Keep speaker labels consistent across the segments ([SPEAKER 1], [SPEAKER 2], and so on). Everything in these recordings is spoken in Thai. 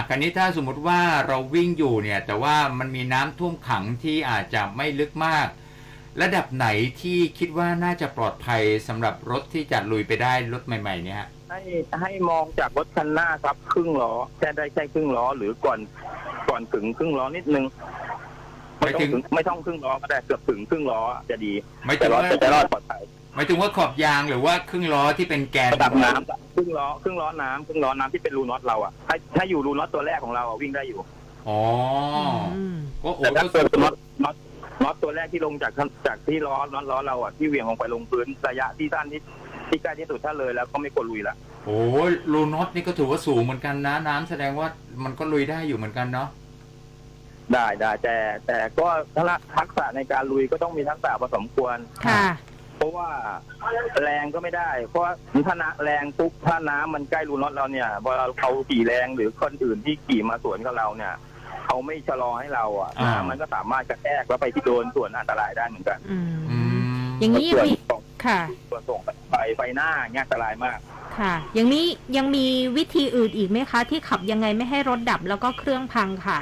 [SPEAKER 1] คราวนี้ถ้าสมมุติว่าเราวิ่งอยู่เนี่ยแต่ว่ามันมีน้ำท่วมขังที่อาจจะไม่ลึกมากระดับไหนที่คิดว่าน่าจะปลอดภัยสำหรับรถที่จะลุยไปได้รถใหม่ๆเนี่ยฮะ
[SPEAKER 2] ให้มองจากรถคันหน้าครับครึ่งล้อแค่ได้แค่ครึ่งล้อหรือก่อนถึงครึ่งล้อนิดนึงไม่ต้องครึ่งล้อก็ได้เกือบถึงครึ่งล้อจะดี
[SPEAKER 1] แต่รถ
[SPEAKER 2] จะรอดปลอดภัย
[SPEAKER 1] หมายถึงว่าขอบยางหรือว่าครึ่งล้อที่เป็นแกน
[SPEAKER 2] ระดับน้ำครึ่งล้อน้ำที่เป็นรูน็อตเราอ่ะถ้าอยู่รูน็อตตัวแรกของเราวิ่งได้อยู่
[SPEAKER 1] อ๋อก็
[SPEAKER 2] แต่ถ้าเป็นน็อตตัวแรกที่ลงจากที่ล้อเราอ่ะที่เหวี่ยงลงไปลงพื้นระยะที่สั้นที่ใกล้ที่สุดถ้าเลยแล้วก็ไม่ควรลุยละ
[SPEAKER 1] โอ้รูน็อตนี่ก็ถือว่าสูงเหมือนกันนะน้ำแสดงว่ามันก็ลุยได้อยู่เหมือนกันเนาะ
[SPEAKER 2] ได้แต่ก็ทักษะในการลุยก็ต้องมีทักษะพอสมควร
[SPEAKER 3] ค่ะ
[SPEAKER 2] เพราะว่าแรงก็ไม่ได้เพราะถ้าแรงปุ๊บถ้าน้ำมันใกล้รูน็อตเราเนี่ยพอเขาขี่แรงหรือคนอื่นที่ขี่มาสวนกับเราเนี่ยเขาไม่ชะลอให้เราอ่ะน้ำมันก็สามารถกระแทกแล้วไปที่โดนส่วนอันตรายได้เหมือนกัน
[SPEAKER 3] อย่างนี้ยังมีค่ะ
[SPEAKER 2] ตัวส่งไฟหน้าเนี่ยอันตรายมาก
[SPEAKER 3] ค่ะอย่างนี้ยังมีวิธีอื่นอีกไหมคะที่ขับยังไงไม่ให้รถดับแล้วก็เครื่องพังค่ะ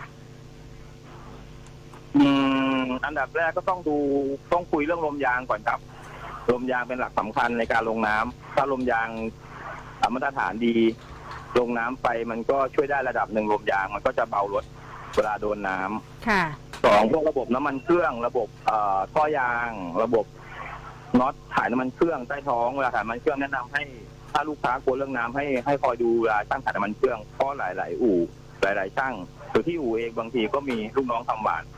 [SPEAKER 2] อันดับแรกก็ต้องคุยเรื่องลมยางก่อนครับลมยางเป็นหลักสำคัญในการลงน้ำถ้าลมยางมาตรฐานดีลงน้ำไปมันก็ช่วยได้ระดับหนึ่งลมยางมันก็จะเบารถเวลาโดนน้
[SPEAKER 3] ำค่ะ
[SPEAKER 2] สองพวกระบบน้ำมันเครื่องระบบท่อยางระบบน็อตถ่ายน้ำมันเครื่องใต้ท้องเวลาถ่ายน้ำมันเครื่องแนะนำให้ถ้าลูกค้ากลัวเรื่องน้ำให้คอยดูเวลาช่างถ่ายน้ำมันเครื่องเพราะหลายอู่หลายช่างหรือที่อู่เองบางทีก็มีลูกน้องทำหวาน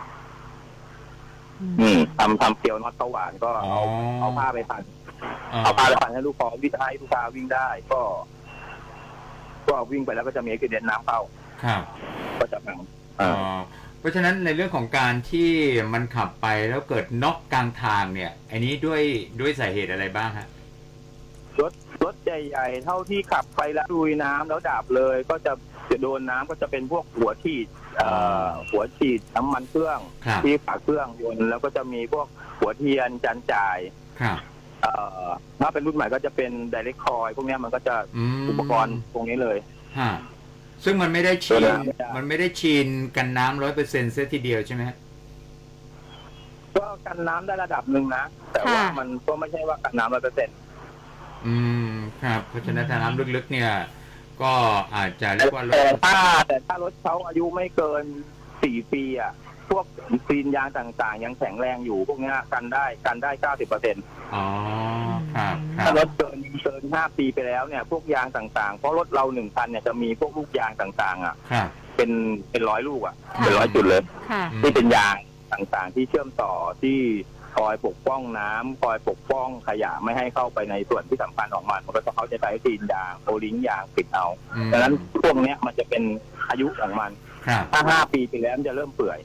[SPEAKER 2] ทำเกลียวน็อตเตาหวานก็เอาผ้าไปพันให้ลูกค้าวิ่งได้ก็วิ่งไปแล้วก็จะมีกระเด็นน้ำเข้าก็จะพัง
[SPEAKER 1] เพราะฉะนั้นในเรื่องของการที่มันขับไปแล้วเกิดน็อกกลางทางเนี่ยอันนี้ด้วยสาเหตุอะไรบ้างฮะ
[SPEAKER 2] รถใหญ่ๆเท่าที่ขับไปแล้วลุยน้ำแล้วดับเลยก็จะโดนน้ำก็จะเป็นพวกหัวฉีดน้ำมันเครื่องที่ฝาเครื่องยนต์แล้วก็จะมีพวกหัวเทียนจานจ่ายถ้าเป็นรุ่นใหม่ก็จะเป็นไดเรกคอยพวกนี้มันก็จะอุปกรณ์ตรงนี้เลย
[SPEAKER 1] ซึ่งมันไม่ได้ชีนกันน้ำ100%เสียทีเดียวใช่ไหม
[SPEAKER 2] ก็กันน้ำได้ระดับหนึ่งนะแต่ว่ามันก็ไม่ใช่ว่ากันน้ำ100%
[SPEAKER 1] ครับเพราะฉะนั้นถ้าน้ำลึกๆเนี่ยก็อาจจะเรียกว่า
[SPEAKER 2] แต่ถ้ารถเขาอายุไม่เกิน4 ปีอ่ะพวกซีนยางต่างๆยังแข็งแรงอยู่พวกนี้กันได้90%
[SPEAKER 1] อ๋อครับ
[SPEAKER 2] ถ้ารถเกิน5 ปีไปแล้วเนี่ยพวกยางต่างๆเพราะรถเรา1 คันเนี่ยจะมีพวกลูกยางต่างๆอ่ะเป็น100 ลูกอ่ะเป็น100 จุดเลยที่เป็นยางต่างๆที่เชื่อมต่อที่คอยปกป้องน้ำคอยปกป้องขยะไม่ให้เข้าไปในส่วนที่สำคัญของมันก็จะเขาจะใช้ซีนยางโอลิงยางปิดเอาดังนั้นพวกนี้มันจะเป็นอายุของมันถ้า5 ปีไปแล้วมันจะเริ่มเปื่อย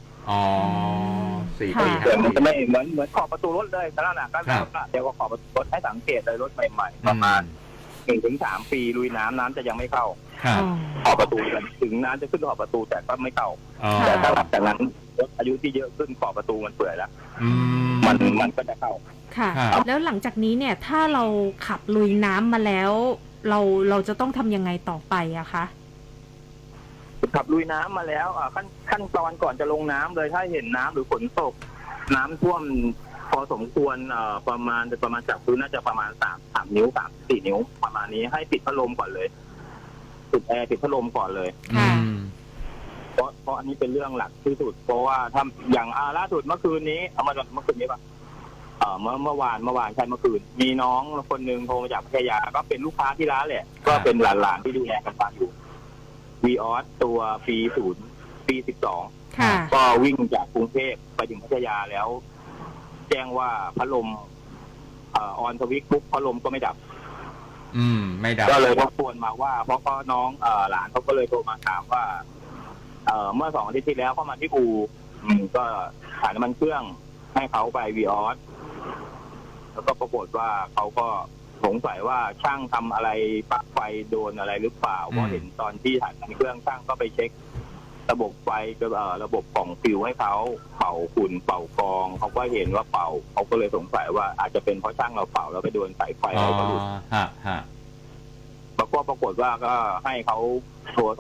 [SPEAKER 1] 4 ปี
[SPEAKER 2] มันจะไม่เหมือนขอบประตูรถเลยขนาดนั้นก็เดี๋ยวก็ขอบประตูรถให้สังเกตเลยรถใหม่ๆประมาณ1-3 ปีลุยน้ำจะยังไม่เข้าขอบประตูถึงน้ำจะขึ้นขอบประตูแต่ก็ไม่เข้าแต่ถ้าหลังจากนั้นรถอายุที่เยอะขึ้นขอบประตูมันเปื่อยแล้วมันก็จะเข้า
[SPEAKER 3] ค่ะแล้วหลังจากนี้เนี่ยถ้าเราขับลุยน้ำมาแล้วเราจะต้องทำยังไงต่อไปอะคะ
[SPEAKER 2] ขับลุยน้ำมาแล้วขั้นตอนก่อนจะลงน้ำเลยถ้าเห็นน้ำหรือฝนตกน้ำท่วมพอสมควรประมาณจากพื้นน่าจะประมาณ3 นิ้ว 4 นิ้วประมาณนี้ให้ปิดพัดลมก่อนเลยปิดแอร์ปิดพัดลมก่อนเลยเพราะอันนี้เป็นเรื่องหลักที่สุดเพราะว่าถ้าอย่างล่าสุดเมื่อคืนนี้เมื่อคืนนี้ป่ะเมื่อวานใช่เมื่อคืนมีน้องคนหนึ่งโทรมาจากพัทยาก็เป็นลูกค้าที่ร้านแหละก็เป็นหลานๆที่ดูแลกันมาอยู่วีออสตัวปี 12ก็วิ่งจากกรุงเทพไปถึงพัทยาแล้วแจ้งว่าพัดลมออนสวิตช์ปุ๊บพัดลมก็ไม่ดับก็เลยรบกวนมาว่าเพราะน้องหลานเขาก็เลยโทรมาถามว่าเมื่อ2 อาทิตย์ที่แล้วเขามาที่อู่ก็ถ่ายน้ำมันเครื่องให้เขาไปวีออสแล้วก็ปรากฏว่าเขาก็สงสัยว่าช่างทำอะไรปลั๊กไฟโดนอะไรหรือเปล่าเพราะเห็นตอนที่ถ่ายน้ำมันเครื่องช่างก็ไปเช็คระบบไฟระบบของฟิวให้เขาเป่าฝุ่นเป่ากองเขาก็เห็นว่าเป่าเขาก็เลยสงสัยว่าอาจจะเป็นเพราะช่างเราเป่าแล้วไปโดนสายไฟอะไรก็หลุดแล้วก็ปรากฏว่าก็ให้เขาโทรศัพท์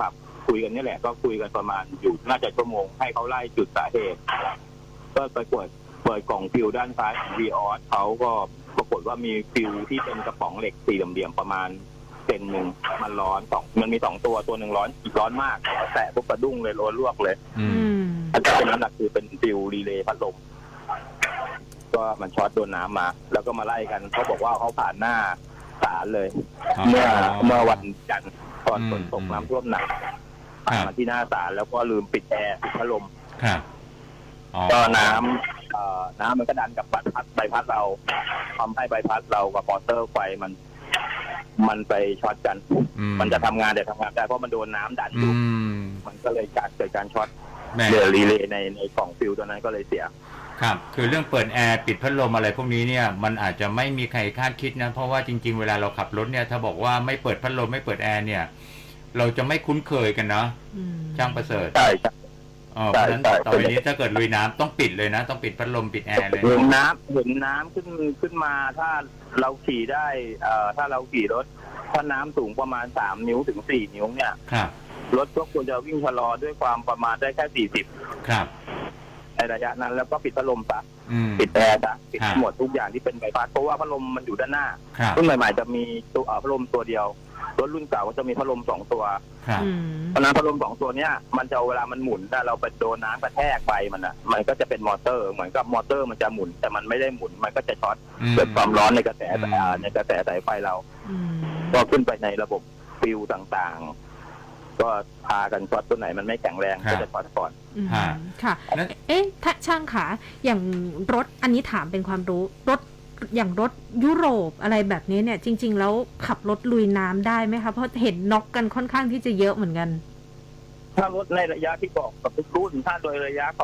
[SPEAKER 2] คุยกันนี่แหละก็คุยกันประมาณอยู่น่าจะชั่วโมงให้เขาไล่จุดสาเหตุก็ไปเปิดกล่องฟิวด้านซ้ายของวีออสเขาก็ปรากฏว่ามีฟิวที่เป็นกระป๋องเหล็กสี่เหลี่ยมๆประมาณเซนหนึ่งมันร้อนมันมีตัวหนึ่งร้อนอีกร้อนมากแตะปุ๊บกระดุ้งเลยร้อนลวกเลย
[SPEAKER 1] อืม
[SPEAKER 2] อันที่เป็นน้ำหนักคือเป็นฟิวรีเลย์พัดลมก็มันช็อตโดนน้ำมา แล้วก็มาไล่กันเขาบอกว่าเขาผ่านหน้าศาลเลย เมื่อวันจันทร์ตอนฝนตกน้ำท่วมหนักผ่านมาที่หน้าศาลแล้วก็ลืมปิดแอร์ปิดพัดลม
[SPEAKER 1] ครับอ๋อ
[SPEAKER 2] ก็น้ำมันก็ดันกับใบพัดเราทำให้ใบพัดเรากับมอเตอร์ไฟมันไปช็อตกัน มันจะทำงานแต่ทำงานได้เพราะมันโดนน้ำดันอยู่มันก็เลยเกิดการช็อตเรือรีเลย์ในกล่องฟิวตัวนั้นก็เลยเสีย
[SPEAKER 1] ครับคือเรื่องเปิดแอร์ปิดพัดลมอะไรพวกนี้เนี่ยมันอาจจะไม่มีใครคาดคิดนะเพราะว่าจริงๆเวลาเราขับรถเนี่ยถ้าบอกว่าไม่เปิดพัดลมไม่เปิดแอร์เนี่ยเราจะไม่คุ้นเคยกันเนาะช่างประเสริฐ
[SPEAKER 2] ใช่
[SPEAKER 1] เพราะฉะนั้นต่อไปนี้ถ้าเกิดลุยน้ำต้องปิดเลยนะต้องปิดพัดลมปิดแอร์เลย
[SPEAKER 2] เห็นน้ำขึ้นมาถ้าเราขี่ได้ถ้าเราขี่รถถ้าน้ำสูงประมาณ3 นิ้วถึง4 นิ้วเนี่ยรถก็ควรจะวิ่งชะลอด้วยความประมาณได้แค่40
[SPEAKER 1] ครับ
[SPEAKER 2] ในระยะนั้นแล้วก็ปิดพัดลมซะปิดแอร์ซะปิดหมดทุกอย่างที่เป็นใบพัดเพราะว่าพัดลมมันอยู่ด้านหน้ารุ่นใหม่ๆจะมีตัวพัดลมตัวเดียวรถรุ่นเก่าก็จะมีพัดลม2 ตัวเพราะนั้นพัดลม2 ตัวเนี้ยมันจะเวลามันหมุนถ้าเราไปโดนน้ำกระแทกไปมันก็จะเป็นมอเตอร์เหมือนกับมอเตอร์มันจะหมุนแต่มันไม่ได้หมุนมันก็จะช็อตเกิดความร้อนในกระแสสายไฟเราก็ขึ้นไปในระบบฟิวต่างๆก็พากันช็อตตัวไหนมันไม่แข็งแรงก็จะช็อตก่อน
[SPEAKER 3] ค่ะถ้าช่างขาอย่างรถอันนี้ถามเป็นความรู้รถอย่างรถยุโรปอะไรแบบนี้เนี่ยจริงๆแล้วขับรถลุยน้ำได้ไหมคะเพราะเห็นน็อกกันค่อนข้างที่จะเยอะเหมือนกัน
[SPEAKER 2] ถ้ารถในระยะที่บอกกับทุกรุ่นถ้าโดยระยะเขา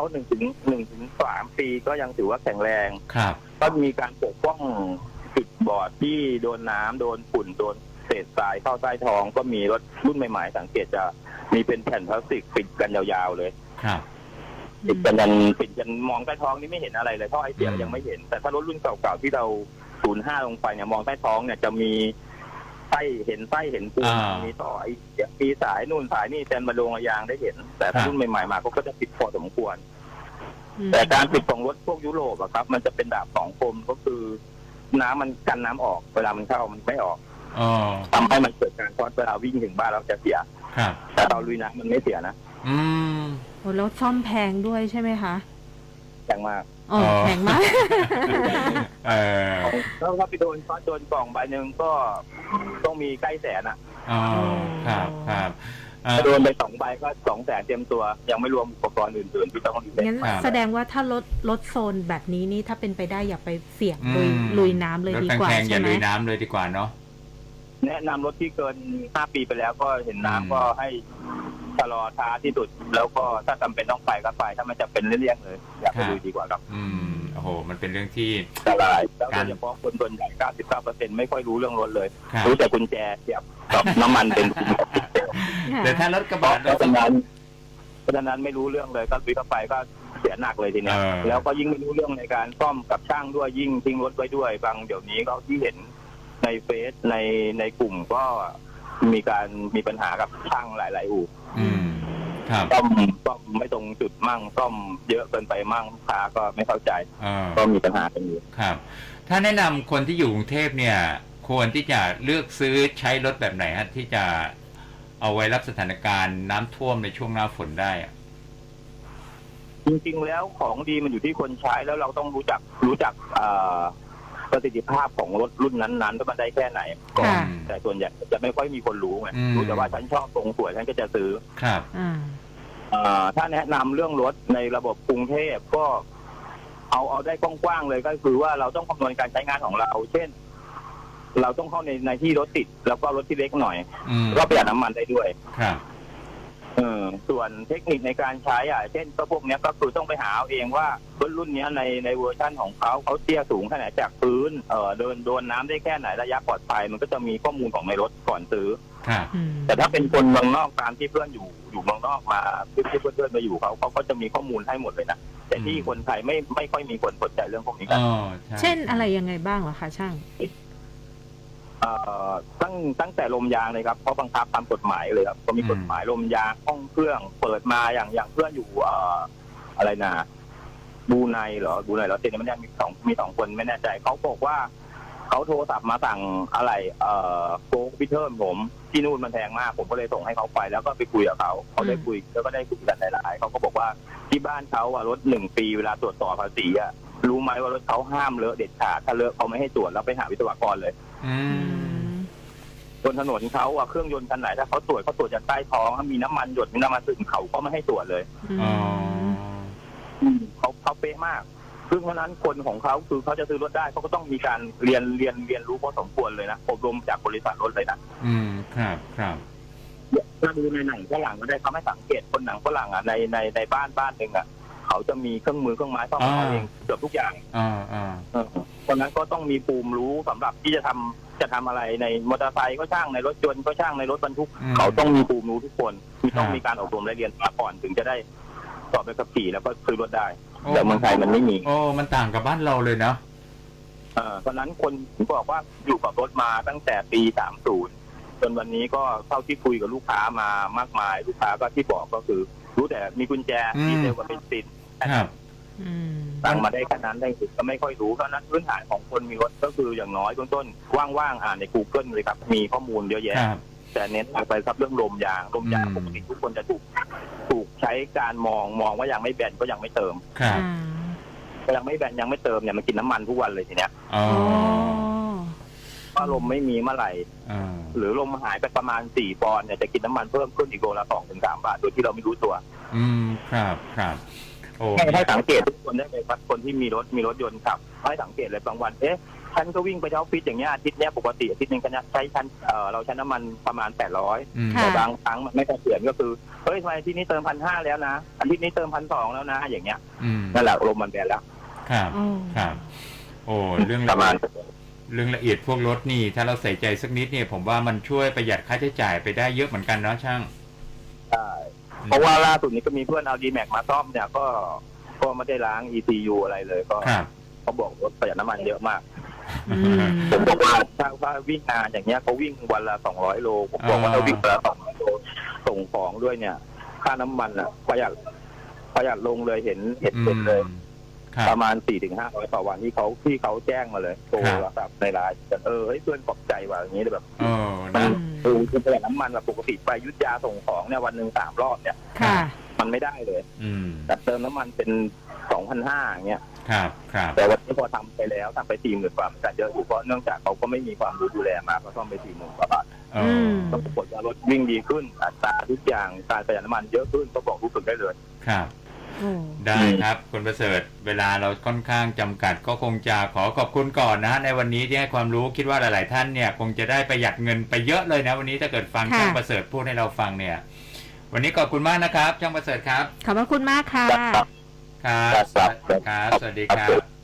[SPEAKER 2] 1-3 ปีก็ยังถือว่าแข็งแรงก็มีการปกป้องจุดบอดที่โดนน้ำโดนฝุ่นโดนเศษทรายเข้าใต้ท้องก็มีรถรุ่นใหม่ๆสังเกตจะมีเป็นแผ่นพลาสติกปิดกันยาวๆเลยปิดกันมองใต้ท้องนี่ไม่เห็นอะไรเลยท่อไอเสียยังไม่เห็นแต่ถ้ารถรุ่นเก่าๆที่เรา05ลงไปเนี่ยมองใต้ท้องเนี่ยจะมีเห็นปูนมีท่อไอเสียมีสายนู่นสายนี่แทนมาลงยางได้เห็นแต่ถ้ารุ่นใหม่ๆมาก็จะปิดพอสมควรแต่การปิดของรถพวกยุโรปอะครับมันจะเป็นดาบ2 คมก็คือน้ำมันกันน้ำออกเวลามันเข้ามันไม่ออกทำให้มันเกิดการช็อตเวลาวิ่งถึงบ้านเราจะเสียแต่เราลุยน้ำมันไม่เสียนะ
[SPEAKER 3] แล้วซ่อมแพงด้วยใช่ไหมคะ
[SPEAKER 2] แพงมาก
[SPEAKER 3] แพงมาก
[SPEAKER 2] แล้วถ้าไปโดนช็อตโดนกล่องใบหนึ่งก็ต้องมีใกล้แสนอ่ะ
[SPEAKER 1] ครับ
[SPEAKER 2] ถ้าโดนไป2 ใบก็200,000เตรียมตัวยังไม่รวมอุปกรณ์อื่นๆที่ต้อง
[SPEAKER 3] งั้นแสดงว่าถ้ารถโซนแบบนี้นี่ถ้าเป็นไปได้อย่าไปเสี่ยงลุยน้ำเลยดีกว่าใช่ไหม
[SPEAKER 1] อย่าลุยน้ำเลยดีกว่าเนาะ
[SPEAKER 2] แนะนำรถที่เกิน5 ปีไปแล้วก็เห็นน้ำก็ให้ชะลอช้าที่สุดแล้วก็ถ้าจำเป็นต้องไปก็ไปถ้ามันจะเป็นเลี่ยงเลยอย่าไปดูดีกว่าครับ
[SPEAKER 1] โอ้โหมันเป็นเรื่องที่
[SPEAKER 2] อันตรายแล้วโดยเฉพาะคนส่วนใหญ่ 99% ไม่ค่อยรู้เรื่องรถเลยรู้แต่กุญแจเสียบกับน้ำมันเป็น
[SPEAKER 1] แต่ถ้ารถกระบะ
[SPEAKER 2] เพราะฉะนั้นไม่รู้เรื่องเลยก็ลุยเข้าไปก็เสียหนักเลยทีนี้แล้วก็ยิ่งไม่รู้เรื่องในการซ่อมกับช่างด้วยยิ่งทิ้งรถไว้ด้วยบางเดี๋ยวนี้ก็ที่เห็นในเฟซในกลุ่มก็มีปัญหากับช่างหลายๆอู่ซ่อมไม่ตรงจุดมั่งซ่อมเยอะเกินไปมั่งลูกค้าก็ไม่เข้าใจก็มีปัญหากันอยู่
[SPEAKER 1] ครับถ้าแนะนำคนที่อยู่กรุงเทพเนี่ยควรที่จะเลือกซื้อใช้รถแบบไหนฮะที่จะเอาไว้รับสถานการณ์น้ำท่วมในช่วงหน้าฝนได้
[SPEAKER 2] จริงๆแล้วของดีมันอยู่ที่คนใช้แล้วเราต้องรู้จักประสิทธิภาพของรถรุ่นนั้นๆว่ามันได้แค่ไหนก่อนแต่ส่วนใหญ่จะไม่ค่อยมีคนรู้ไงรู้แต่ว่าฉันชอบทรงสวยฉันก็จะซื้อ
[SPEAKER 1] ครับ
[SPEAKER 2] ถ้าแนะนำเรื่องรถในระบบกรุงเทพก็เอาได้กว้างๆเลยก็คือว่าเราต้องคำนวณการใช้งานของเราเช่นเราต้องเข้าในที่รถติดแล้วก็รถที่เล็กหน่อยก็ประหยัดน้ำมันได้ด้วย
[SPEAKER 1] ครับ
[SPEAKER 2] ส่วนเทคนิคในการใช้เช่นพวกนี้ก็คือต้องไปหาเอาเองว่ารถรุ่นนี้ในเวอร์ชั่นของเขาเตี้ยสูงแค่ไหนจากพื้นโดนน้ำได้แค่ไหนระยะปลอดภัยมันก็จะมีข้อมูลของในรถก่อนซื้อแต่ถ้าเป็นคนเมืองนอกตามที่เพื่อนอยู่เมืองนอกมาที่เพื่อนมาอยู่เขาก็จะมีข้อมูลให้หมดเลยนะแต่ที่คนไทยไม่ค่อยมีคนสนใจเรื่องพวกนี้กัน
[SPEAKER 3] เช่นอะไรยังไงบ้างเหรอคะช่าง
[SPEAKER 2] เอ่ตั้งแต่ลมยางเลยครับเพราะบังคับตามกฎหมายเลยครับก็มีกฎหมายลมยางห้องเครื่องเปิดมาอย่างเพื่อนอยู่อะไรนะบูไนเหรอบูไนแล้วเจนไม่ได้มีสองคนไม่แน่ใจเขาบอกว่าเขาโทรศัพท์มาสั่งอะไรโค้กพิเทิร์นผมที่นู่นมันแพงมากผมก็เลยส่งให้เขาไปแล้วก็ไปคุยกับเขาได้คุยแล้วก็ได้คุยกันหลายๆเขาก็บอกว่าที่บ้านเขารถ1 ปีเวลาตรวจสอบภาษีรู้ไหมว่ารถเขาห้ามเลอะเด็ดขาดถ้าเลอะเขาไม่ให้ตรวจแล้วไปหาวิศวกรเลย
[SPEAKER 1] อืม
[SPEAKER 2] บนถนนเขาเครื่องยนต์คันไหนถ้าเขาตรวจจากใต้ท้องถ้ามีน้ำมันหยดมีน้ำมันซึมเขาก็ไม่ให้ตรวจเลย
[SPEAKER 1] อ๋อ
[SPEAKER 2] เขาเป๊ะมากซึ่งเพราะนั้นคนของเขาคือเขาจะซื้อรถได้เขาก็ต้องมีการเรียนรู้พอสมควรเลยนะอบรมจากบริษัทรถเลยนะ
[SPEAKER 1] ครับ
[SPEAKER 2] ถ้าดูในหนังฝรั่งก็ได้เขาไม่สังเกตคนหนังฝรั่งในบ้านหนึ่งเขาจะมีเครื่องมือเครื่องไม้ซ่อมของเขาเองเกือบทุกอย่างคนนั้นก็ต้องมีภูมิรู้สำหรับที่จะทำอะไรในมอเตอร์ไซค์ก็ช่างในรถยนต์ก็ช่างในรถบรรทุกเขาต้องมีภูมิรู้ทุกคนต้องมีการอบรมและเรียนมาก่อนถึงจะได้สอบใบขับขี่แล้วก็ซื้อรถได้แต่เมืองไทยมันไม่มี
[SPEAKER 1] มันต่างกับบ้านเราเลยเนาะ
[SPEAKER 2] เพราะนั้นคนผมบอกว่าอยู่กับรถมาตั้งแต่ปี30จนวันนี้ก็เท่าที่คุยกับลูกค้ามามากมายลูกค้าก็ที่บอกก็คือรู้แต่มีกุญแจดีเซลกับเบนซินสั่งมาได้ขนาดนั้นได้สุดก็ไม่ค่อยรู้เพราะนั้นพื้นฐานของคนมีรถก็คืออย่างน้อยต้นว่างๆอ่านใน Google เลยครับมีข้อมูลเยอะแยะแต่เน้นไปครับเรื่องลมยางปกติทุกคนจะถูกใช้การมองว่ายังไม่แบนก็ยังไม่เติมยังไม่แบนยังไม่เติมเนี่ยมันกินน้ำมันทุกวันเลยทีเนี้ยว่าลมไม่มีเมื่อไหร่หรือลมหายไปประมาณ4 ปอนด์เนี่ยจะกินน้ำมันเพิ่มขึ้นอีกโลละ2 ถึง 3 บาทโดยที่เราไม่รู้ตัว
[SPEAKER 1] ครับโอ้
[SPEAKER 2] ให้สังเกตทุกคนได้เลยครับคนที่มีรถยนต์ขับให้สังเกตเลยบางวันฉันก็วิ่งไปเช้าฟิตอย่างเงี้ยอาทิตย์เนี้ยปกติอาทิตย์นึงฉันใช้เราใช้น้ำมันประมาณ800แต่บางครั้งมันไม่เสถียรก็คือเฮ้ยทำไมอาทิตย์นี้เติม1,500แล้วนะอาทิตย์นี้เติม1,200แล้วนะอย่างเงี้ยนั่นแหละลมมันแบนแล้ว
[SPEAKER 1] ครับโอ้เรื่องละเอียดพวกรถนี่ถ้าเราใส่ใจสักนิดเนี่ยผมว่ามันช่วยประหยัดค่าใช้จ่ายไปได้เยอะเหมือนกันเนาะช่าง
[SPEAKER 2] ใช่เพราะว่าล่าสุดนี้ก็มีเพื่อนเอา D-Max มาซ่อมเนี่ยก็ไม่ได้ล้าง ECU อะไรเลยก็เขาบอกรถประหยัดน้ำมันเยอะมากผมบอกว่าถ้าวิ่งงานอย่างเงี้ยเขาวิ่งวันละ200 โลผมบอกว่าถ้าวิ่งวันละ200 โลส่งของด้วยเนี่ยค่าน้ำมันประหยัดลงเลยเห็นเลยประมาณ 400-500 ต่อวันที่เขาแจ้งมาเลยโทรศัพท์ในไลน์ให้เพื่อนขอบใจว่าอย่างนี้เลยแบบมันคือประหยัดน้ำมันแบบปกติไปยุทธยาส่งของเนี่ยวันหนึ่ง3 รอบเนี่ยมันไม่ได้เลยแต่เติมน้ำมันเป็น 2,500 อย่างเงี้ยแต่วันนี้พอทำไปแล้วทำไป 40,000 กว่ามันจะเยอะอยู่เพราะเนื่องจากเขาก็ไม่มีความรู้ดูแลมาก็ซ่อมไป 40,000 กว่าบาทต้องปรากฏว่ารถวิ่งดีขึ้นอัตราทุกอย่างการประหยัดน้ำมันเยอะขึ้นก็บอกรู้สึกได้เลย
[SPEAKER 1] ได้ครับคุณประเสริฐเวลาเราค่อนข้างจำกัดก็คงจะขอบคุณก่อนนะในวันนี้ที่ให้ความรู้คิดว่าหลายๆท่านเนี่ยคงจะได้ประหยัดเงินไปเยอะเลยนะวันนี้ถ้าเกิดฟังช่างประเสริฐพูดให้เราฟังเนี่ยวันนี้ขอบคุณมากนะครับช่างประเสริฐครับ
[SPEAKER 3] ขอบคุณมากค่ะ
[SPEAKER 1] ครับสวัสดีครับ